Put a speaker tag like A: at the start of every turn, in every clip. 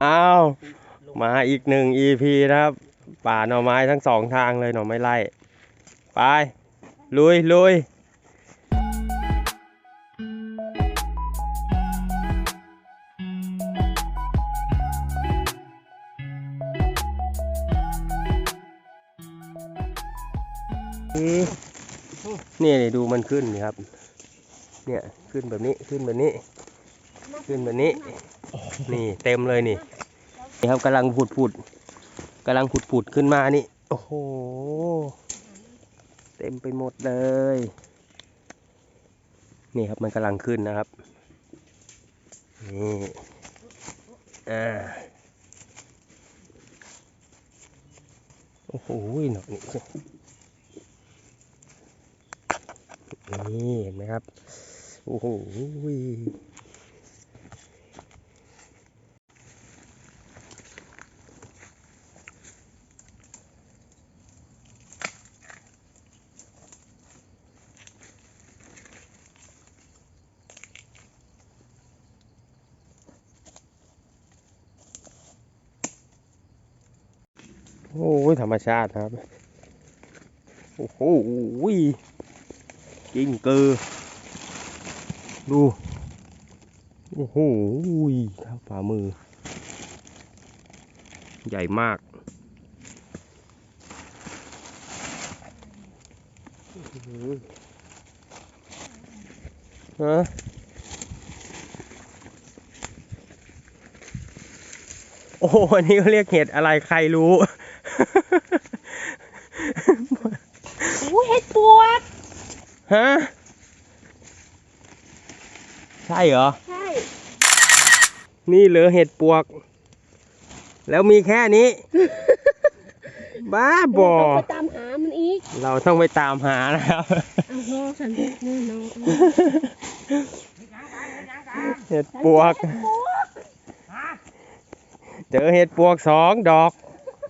A: อ้าวมาอีก1 EP นะครับป่าหน่อไม้ทั้ง2ทางเลยหน่อไม้ไล่ไปลุยลุยนี่ดูมันขึ้นนี่ครับเนี่ยขึ้นแบบนี้ขึ้นแบบนี้ขึ้นแบบนี้นี่เต็มเลยนี่ครับกำลังผุดขึ้นมานี่โอ้โหเต็มไปหมดเลยนี่ครับมันกำลังขึ้นนะครับนี่โอ้โหหนอกนี่เห็นไหมครับโอ้โหโอ้ยธรรมชาติครับโอ้โหกิ้งกือดูโอ้โหครับฝ่ามือใหญ่มากฮะโอ้โหอันนี้เขาเรียกเห็ดอะไรใครรู้
B: เห็ดปวก
A: ฮะใช่เหรอ
B: ใช่
A: นี่เหลือเห็ดปวกแล้วมีแค่นี้บ้าบอ
B: ต้องไปตามหามันอีก
A: เราต้องไปตามหานะครับ
B: เอาน้องฉันนี่น้อง
A: เห็ดปวกเจอเห็ดปวก2 ดอก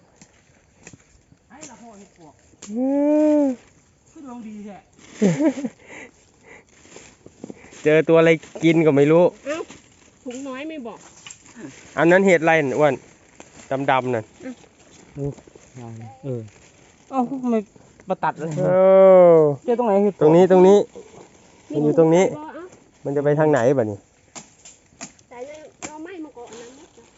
A: เจอตัวอะไรกินก็ไม่รู้
B: เอ้าถุงน้อยไม่บอก
A: อันนั้นเห็ดอะไรอ้วนดำนั่น
C: เอ้าไม่มาตัดเลยเจอตรงไหน
A: ตรงนี้มันอยู่ตรงนี้มันจะไปทางไหนบ่นี่
B: ใส่เราไม่มาก่อนนะ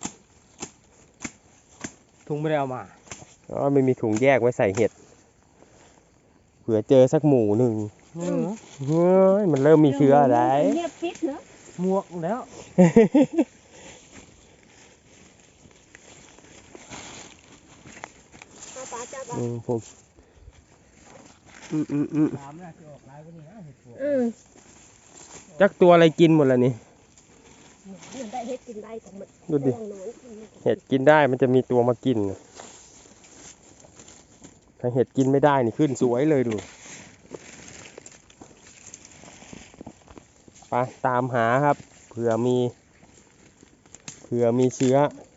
C: ถุงไม่ได้เอามา
A: อ๋อไม่มีถุงแยกไว้ใส่เห็ดเผื่อเจอสักหมู่หนึ่งเฮ้ยมันเริ่มมีเชื้ออะไร
B: เงียบปิดเนอะ
C: หมวกแล้ว
A: ผมจักตัวอะไรกินหมดแล้วนี่ดูดิเห็ดกินได้มันจะมีตัวมากินถ้าเห็ดกินไม่ได้นี่ขึ้นสวยเลยดูไปตามหาครับเผื่อมีเชื้อ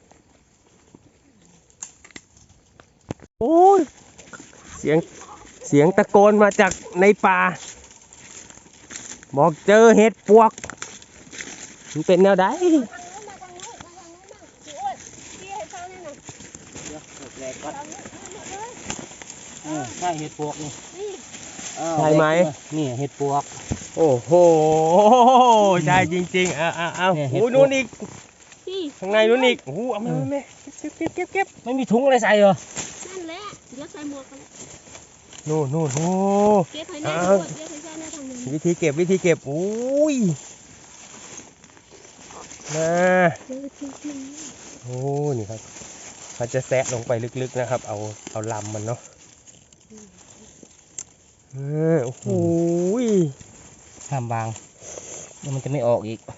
A: โอ้ยเสียงตะโกนมาจากในป่าบอกเจอเห็ดปวกมันเป็นแนวใด
C: ใช่เห็ดปวกนี่
A: ใช่ไหม
C: นี่เห็ดปวก
A: โอ้โหใช่จริงๆเอาโอ้นู่นอีกข้างในนู่นอีกโอ้เอามาเก็บ
C: ไม่มีถุงอะไรใส่เหรอ
B: นั่นแหละเดี๋ยวใส่หมวกกัน
A: นู่นโอ้
B: เก็บให้แน่ด้วยเก็บให้แน่ทางนี้
A: วิธีเก็บโอ้ยนะโอ้นี่ครับเขาจะแซะลงไปลึกๆนะครับเอาลำมันเนาะโอ้โห
C: ห้ามบางแล้วมันจะไม่ออกอีก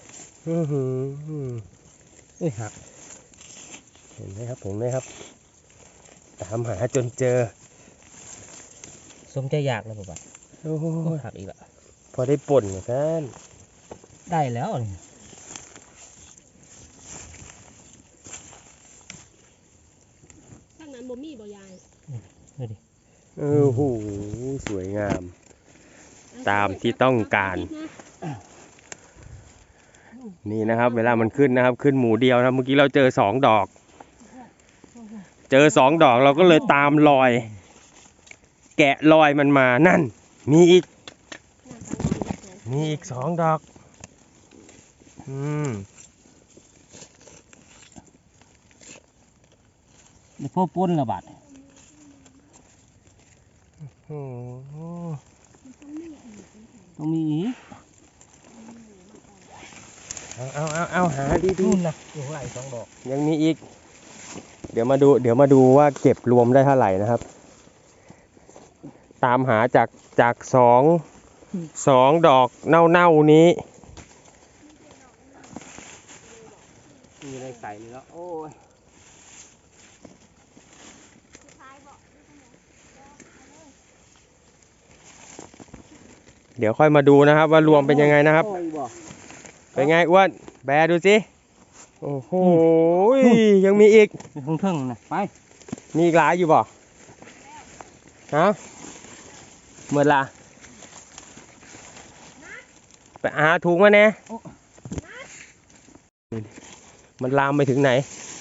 C: หัก
A: เห็นไหมครับตามหาจนเจอ
C: สมใจอยากเลยป่ะ
A: โอ้
C: หักอีกละ
A: พอได้ป่นเหมือนกัน
C: ได้แล้ว
B: ข้างนั้นบ่มีบ่ยาย
C: ดูดิ
A: โอ้โหสวยงามตามที่ต้องการนี่นะครับ เวลามันขึ้นนะครับ ขึ้นหมูเดียวนะเมื่อกี้เราเจอ2 ดอก เจอ2 ดอกเราก็เลยตามรอย แกะรอยมันมานั่น มีอีก 2 ดอก
C: เดี๋ยวพ่อป้นละบาด
A: โอ้โห
C: ต้องมีอีก
A: เอาหาดี
C: นู่นนะอยู่ข้างหลัง2 ดอก
A: ๆยังมีอีก เดี๋ยวมาดูว่าเก็บรวมได้เท่าไหร่นะครับ ตามหาจากสองดอกเน่านี้
C: มีอะไรใส่เลยแล้วโอ้ย
A: เดี๋ยวค่อยมาดูนะครับ ว่ารวมเป็นยังไงนะครับ
C: โอ้ยบ่
A: เป็นไงอ้วนแบดูสิโอ้โหยังมีอีก
C: มีเพิ่งๆนะไป
A: มีอีกหลายอยู่บ่ฮะเมื่อละไปหาถุงมาแน่มันลามไปถึงไหน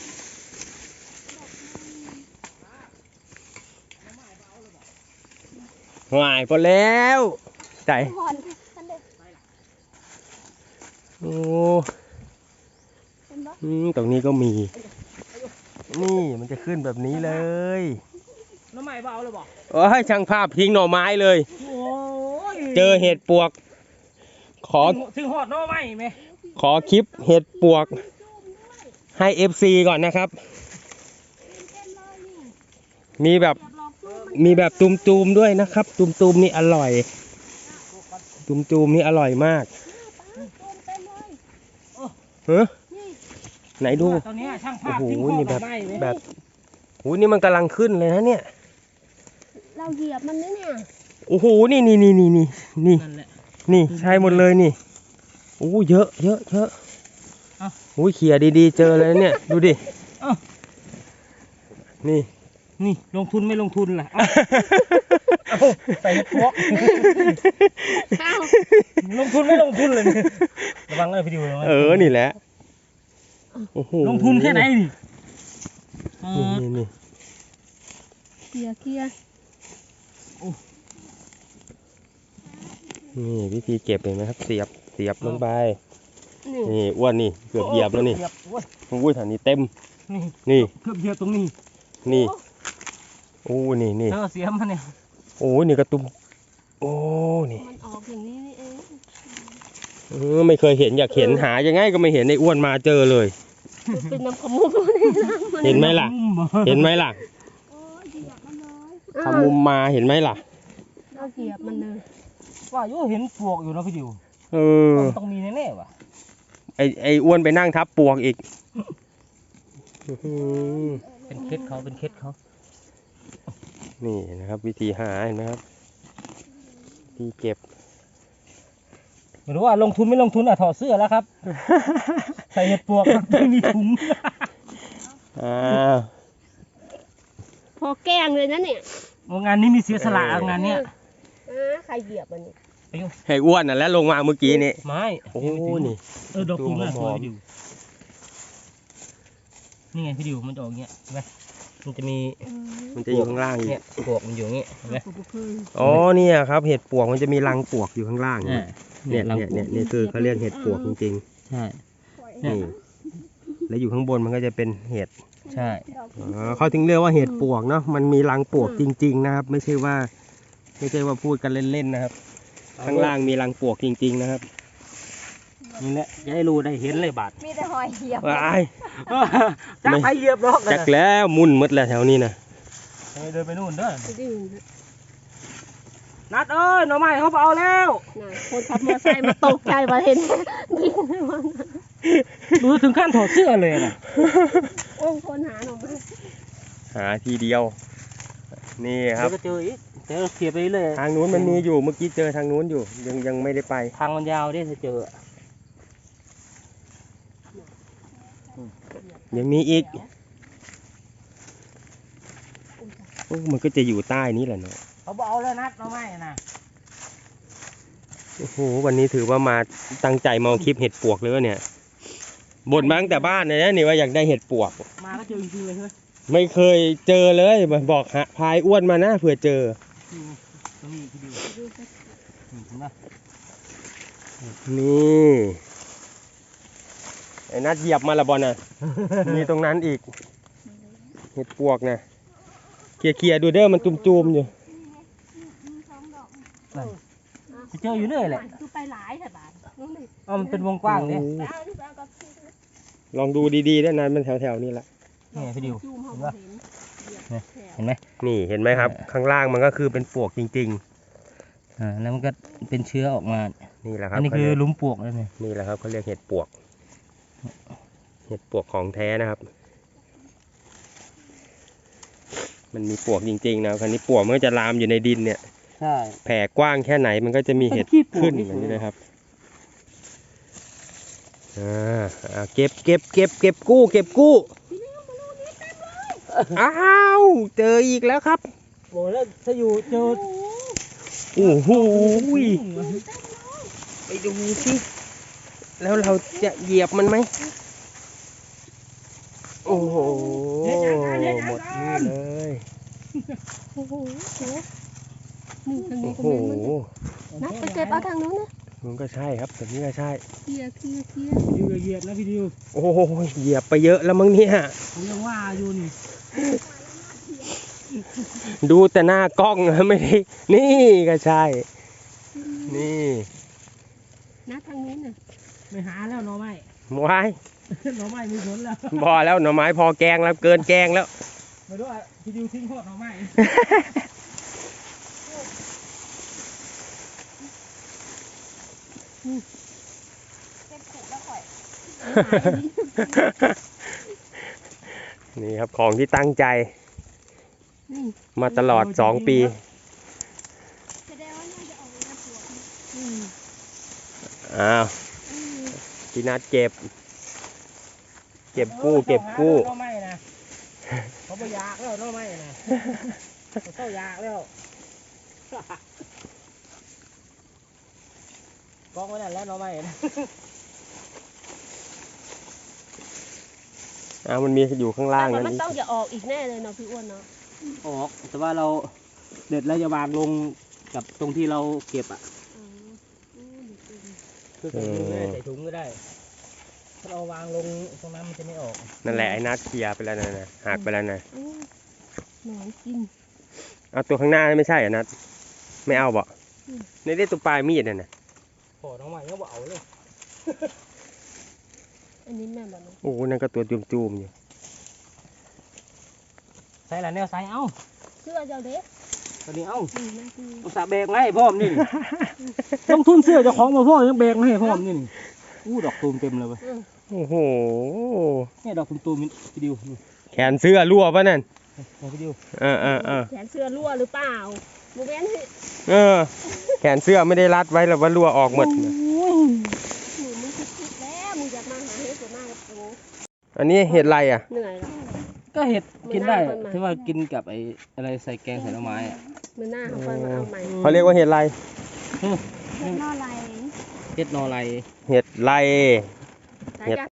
A: หายพอแล้วใจ
B: ผ่อนท่านเด็ก
A: โอ้
B: เป็นบ่
A: ตรงนี้ก็มี นี่มันจะขึ้นแบบนี้เลย
C: น้ำใหม่เบาเลยบ่
A: โอ้ยช่างภาพทิ้งหน่อไม้เลย
C: โอ้ย
A: เจอเห็ดปวก ขอ
C: ถึงหอดน้ำใหม่ไหม
A: ขอคลิปเห็ดปวกให้ FC ก่อนนะครับ มีแบบ
B: แบบหลอกสู้มัน
A: มีแบบตุมๆด้วยนะครับ ตุมๆนี่อร่อย ตุมๆนี่อร่อยมาก
B: โดนเต็มเลย
A: เฮ้ย
B: นี่
A: ไหนดู
C: ตอนนี้ช่างภา
A: โอ้
C: พ
A: โห
C: ทิ้งหอด
A: นี่แบบ
C: น้ำใหม่ไหม
A: แบบโอ้โหนี่มันกำลังขึ้นเลยนะเนี่ย
B: เราเหยียบมันนะเนี่ย
A: โอ้โหนี่
C: นั่นแหละ
A: นี่ใช่หมดเลยนี่โอ้เยอะ
C: เอ้า
A: โอ้ยเขี่ยดีๆเจอเลยเนี่ย ดูดิ
C: เอ้า
A: นี่
C: นี่ลงทุนไม่ลงทุนล่ะเอาใส่พวก
B: อ้าว
C: ลงทุนไม่ลงทุนเลยเนี่ยระวังเลยพี่ดิวระวัง
A: นี่แหละโอ้โห
C: ลงทุนแค่ไหนนี่อ๋อ
A: นี่
B: เคลียร์
A: นี่วิธีเก็บเห็นไหมครับ เสียบลงไป
B: นี่
A: นี่อ้วนนี่เกือบเหยียบแล้วนี่
C: เกือบโอ้ย
A: โอ้ยแถวนี้เต็ม
C: นี่
A: นี่
C: เกือบเหยียบตรงนี้
A: นี่โอ้นี่
C: เออเสียมันเนี่ย
A: โอ้นี่กระตุ้มโอ้นี่
B: มันออกอย่างนี้นี่เอง
A: ไม่เคยเห็นอยากเห็นหายังไงก็ไม่เห็นไอ้อ้วนมาเจอเลย
B: เป็นน้ำขมุกนี่นะมัน
A: เห็นไหมล่ะ เห็นไหมล่ะ
B: โอ้ยเหยียบมันเลย
A: ทำมุมมาเห็นไหมล่ะ
B: เราเหยียบมันเลย
C: ว่าอยู่เห็นปลวกอยู่นะพี่ดิว
A: เออ
C: ต้องมีแน่ๆว่ะ
A: ไอ้อ้วนไปนั่งทับปวกอีกอื้อหือ
C: เป็นเคล็ดเขาเป็นเคล็ดเขา
A: นี่นะครับ วิธีหาเห็นไหมครับวิธีเก็บ
C: ไม่รู้ว่าลงทุนไม่ลงทุนอ่ะถอดเสื้อแล้วครับ ใส่เห็ดปลวกไม่มีถุง
A: อ้าว
B: พอแกล้งเลยนะเนี่ย
C: โอ้งานนี้มีเสียสละงานเนี้ย
B: ใครเหยียบมันนี่
A: ให้อ้วนน่ะแล้วลงมาเมื่อกี้นี่
C: ไม้
A: โอ้นี่
C: ดอกคูน่าสวย
A: หอม
C: พี่ดิวนี่ไงพี่ดิวมันจะออกเงี้ยเห็นไหมมันจะมี
A: มันจะอยู่ข้างล่างอีก
C: เนี่ยปลวกมันอยู่อย่างงี้เห็นไหม
A: อ๋อเนี่ยครับเห็ดปวกมันจะมีรังปวกอยู่ข้างล่าง
C: อ่า
A: เนี่ยเนี่ยคือเขาเรียกเห็ดปวกจริง
C: ใช่
A: ๆนี่แล้วอยู่ข้างบนมันก็จะเป็นเห็ด
C: ใช่
A: เขาถึงเรียกว่าเห็ดปวกเนาะมันมีรังปวกจริง ๆ นะครับ ไม่ใช่ว่าพูดกันเล่นๆนะครับ ข้างล่างมีรังปวกจริง ๆ นะครับ
C: นี่แหละจะให้รู้ได้เห็นเลยบาด
B: มีแต่หอยเหยียบ
A: ว้าย
C: จักไปเหยียบดอก
A: จักแล้วมุ่นหมดแล้วแถวนี้นะ
C: เดินไปนู่นเด้อ
B: ดื้อ
C: นัดเอ้ยหน่อไม้เขาเอาแล้ว
B: นะคนขับมอเตอร์ไซค์มาตกใจมาเห็นยิงมัน
C: ดูถึงขั้นถอดเสื้อเลยนะ
B: โอ้คนหาหน่อไม้
A: หาทีเดียว นี่ค
C: เดี๋
A: รั
C: ย
A: บ
C: วก็เจออีกเดี๋ยวเขียไปเรื่อย
A: ทางนู้นมันมีอยู่เมื่อกี้เจอทางนู้นอยู่ยังไม่ได้ไป
C: ทางมันยาวดิถ้าเจอ
A: ยังมีอีกโอ้มันก็จะอยู่ใต้นี้แหละเนาะ
C: เขาบอกเอาแล้วนัดหน่อไม้นะ
A: โอ้โหวันนี้ถือว่ามาตั้งใจมาเอาคลิปเห็ดปวกเลยวะเนี่ยบ่นมาตั้งแต่บ้านเลยนะนี่ว่าอยากได้เห็ดปวก
C: มาก็เจอจริงๆเลยใช่ไหม
A: ไม่เคยเจอเลยบอกหาพายอ้วนมานะเผื่อเจอ
C: นี่พี่ดิวเห็นปะ
A: นี่ไอ้นัดเหยียบมาละบอลน่ะ มีตรงนั้นอีก เห็ดปวกนะเคลียร์ๆดูเด้อมันจุ่มๆอยู่
C: จะเจออยู่เรื่อยแหละ
B: คือไปหลายแต่บาทน้องดิ
C: อ๋อมันเป็นวงกว้างเนี่ย
B: ไปเอาดิไปเอากับพี่
A: ลองดูดีๆด้วยนะมันแถวๆนี่แหละ
C: นี่พี่ดิว
B: จูมเขา
C: เห็น
B: บ่
C: ปะ
B: เห็นเหยียบแถว
C: เห็นไหม
A: นี่เห็นไหมครับ ข้างล่างมันก็คือเป็นปวกจริง
C: แล้วมันก็เป็นเชื้อออกมา
A: ๆ นี่แหละครั
C: อั
A: บ
C: นนี้คือหลุมปลวกแล้วเนี่ย
A: นี่แหละครับเขาเรียกเห็ดปวก เห็ดปวกของแท้นะครับ มันมีปวกจริงๆนะคราวนี้ปวกมันก็จะลามอยู่ในดินเนี่ย
C: ใช่
A: แผ่กว้างแค่ไหนมันก็จะมีเห็ด
C: มันขี้ปวก
A: ขึ้น
C: นี่
A: อย่างนี้นะครับเก็บกู้อ้าวเจออีกแล้วครับ
C: โอ้แล้วถ้าอยู่เจอ
A: โอ้โหไปดูสิแล้วเราจะเหยียบมันไหมโอ้โหหมดนี่เลย
B: โอ้โหนี่ทางนี้
A: โอ้
B: ก็
A: โห
B: แม่นนัดไปเก็บเอาทางนู้นนะ
A: มันก็ใช่ครับแบบนี้ก็ใช่
B: เคลียร์
C: พี่ดิวอย่าเหยียบนะพี่ดิว
A: โอ้โหเหยียบไปเยอะแล้วมั้งเนี่ย
C: ผมยังว่าอยู่นี่
A: ดูแต่หน้ากล้องนะไม่ได้นี่ก็ใช่ นี่
B: นัดทางนู้นน่ะ
C: ไม่หาแล้วหน่อไม้
A: ไว้
C: หน่อไม้มีผลแล้ว
A: พอแล้วหน่อไม้พอแกงแล้วเกินแกงแล้ว
C: ไม่รู้อ่ะพี่ดิวทิ้งโคตรหน่อไม้
B: เก็บเสร็จแล้วค่อย
A: นี่ครับของที่ตั้งใจ
B: นี่
A: มาตลอด2 ปี
B: แสดงว่าน่าจะออกมาสวย
A: อ้าวพี่นัดเก็บกู้
C: หน่อไม้นะเขาไปยากแล้วหน่อไม้นะเขาเข้ายากแล้วกองไว้นั่นแล้วหน่อไม้นะ
A: มันมีอยู่ข้างล่าง
B: แต่
A: นั่น
B: มัน
A: อีก
B: ต้องจะออกอีกแน่เลยเนาะพี่อ้วนเนาะ
C: ออกแต่ว่าเราเด็ดแล้วจะวางลงกับตรงที่เราเก็บอ่ะ
B: อืมอืมดีจริง
C: คือใส่ถุงก็ได้ใส่ถุงก็ได้ถ้าเราวางลงตรงนั้นมันจะไม่ออก
A: นั่นแหละไอ้นัดเคลียร์ไปแล้วนะหักไปแล้วนะ
B: อืมหนอนกิน
A: เอาตัวข้างหน้าไม่ใช่เหรอนัดไม่เอาบ่
B: อืม
A: ในได้ตัวปลายมีดน่ะนะ
C: พอน้องใหม่ก็บอกเอาเลย
B: อันนี้แม่แบบนี้
A: โอ้นั่นก็ตัวจุ่มๆอยู่
C: ใส่ละแนวใส่เอา
B: เสื้อเจ้าเด็ก
C: ตอนนี้เอา
B: นี่แม่คือ
C: อุตส่าห์แบกมาให้พร้อมนี่ ลงทุนเสื้อเจ้าของมาพ่อยังแบกมาให้พร้อมนี่อู้ดอกตูมเต็มเลยเว้ย
A: โอ้โห
C: เนี่ยดอกตูมๆพี่ดิวนี่
A: แขนเสื้อรั่วปะนั่น
C: พี่ดิว
A: เออ
B: แขนเสื้อรั่วหรือเปล่าโมเมนต์
A: แขนเสื้อไม่ได้รัดไว้หรอกว่ารั่วออกหมด
B: หนูมันคิดแล้วมึงจะมาหาเฮ็ดจะมากับกู
A: อันนี้เห็ดอะไรอ่ะ
B: เหนื่อยแล้ว
C: ก็เห็ดกินได้
B: ไม่น่ามันมา
C: ที่ว่ากินกับไอ้อะไรใส่แกงใส่หน่อไม้อะ
B: มือหน้าเขาค่อยมาเอาใหม่
A: เขาเรียกว่าเห็ดอะไร
B: เฮ็ดนอไร
C: เห็ดนอไร
A: เห็ดไร เฮ็ด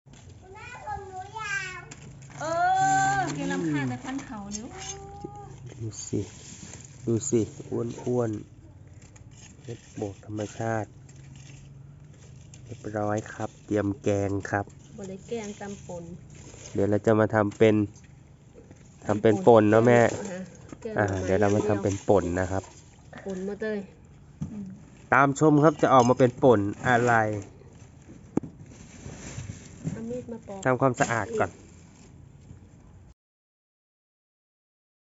B: เออเกลำคาญแต่พันเขานิ้ว
A: ดูสิอ้วนเห็ดบกธรรมชาติเรียบร้อยครับ เตรียมแกงครับ
B: บริแกงตำปน
A: เดี๋ยวเราจะมาทำเป็นป่นเนาะแม่
B: แกงหน่อไ
A: เดี๋ยวเรามาทำเป็นป่นนะครับ
B: ปนมาเลย
A: ตามชมครับจะออกมาเป็นป่นอะไร
B: เอามีดมาปอก
A: ทำความสะอาดก่อน
B: เ